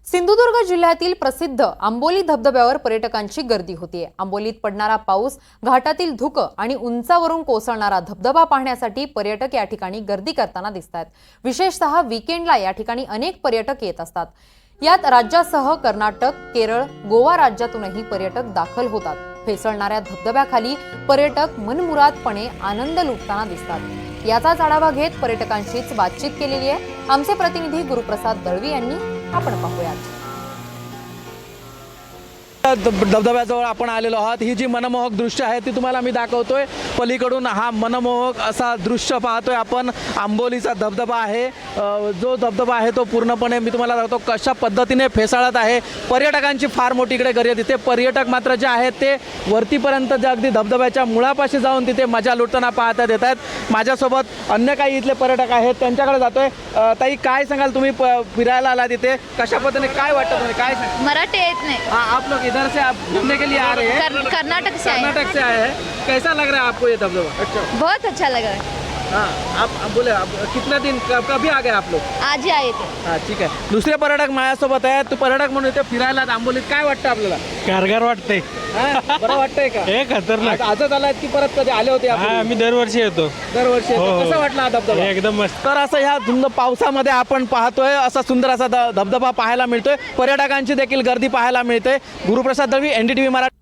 सिंधुदुर्ग जिल्ह्यातील प्रसिद्ध आंबोली धबधब्यावर पर्यटकांची गर्दी होतीये। आंबोलीत पडणारा पाऊस, घाटातील धुकं आणि उंचावरून कोसळणारा धबधबा पाहण्यासाठी पर्यटक या ठिकाणी गर्दी करताना दिसतात। विशेषतः वीकेंडला या ठिकाणी अनेक पर्यटक येत असतात। यात राज्यासह कर्नाटक, केरळ, गोवा राज्यातूनही पर्यटक दाखल होतात। फेसळणाऱ्या धबधब्याखाली पर्यटक मनमुरादपणे आनंद लुटताना दिसतात। याचाच आढावा घेत पर्यटकांशीच बातचीत केलेली आहे आमचे प्रतिनिधी गुरुप्रसाद दळवी यांनी। आपण पाहूयात। धबधब्याजवळ आपण आलेलो आहोत। ही जी मनमोहक दृश्य आहे ती तुम्हाला मी दाखवतोय। पलीकडून हा मनमोहक असा दृश्य पाहतोय आपण। आंबोलीचा धबधबा आहे। जो धबधबा आहे तो पूर्णपणे मी तुम्हाला दाखवतो कशा पद्धतीने फेसाळत आहे। पर्यटकांची फार मोठी इकडे गर्दी दिसते। पर्यटक मात्र जे आहेत ते वरतीपर्यंत जे अगदी धबधब्याच्या मुळापाशी जाऊन तिथे मजा लुटताना पाहता येत आहेत। माझ्यासोबत अन्य काही इथले पर्यटक आहेत, त्यांच्याकडे जातोय। ताई, काय सांगाल, तुम्ही फिरायला आला तिथे, कशा पद्धतीने काय वाटतं तुम्हाला, काय सांगाल? मराठी येत नाही। आप लोग इधर से आप घूमने के लिए आ रहे हैं? कर्नाटक से आए। कर्नाटक से आए हैं। कैसा लग रहा है आपको ये धबधबा? अच्छा, बहुत अच्छा लगा है। हाँ, आप बोले आप कितना दिन कभी आ गए आप लोग? आज ही आए थे। हाँ, ठीक आहे। दुसरे पर्यटक माझ्यासोबत आहेत। तू पर्यटक म्हणून इथे फिरायला आंबोलीत, काय वाटतं आपल्याला? कारगर वाटते। हा, बरं वाटतंय का? हे खतरनाक। आजच आलात की परत कधी आले होते? हा, आम्ही दरवर्षी येतो। दरवर्षी हो, येतो। हो। कसं वाटलं हा धबधबा? एकदम मस्त। तर असं ह्या धुंद पावसामध्ये आपण पाहतोय असा सुंदर असा धबधबा पाहायला मिळतोय। पर्यटकांची देखील गर्दी पाहायला मिळते। गुरुप्रसाद दळवी, NDTV मराठी।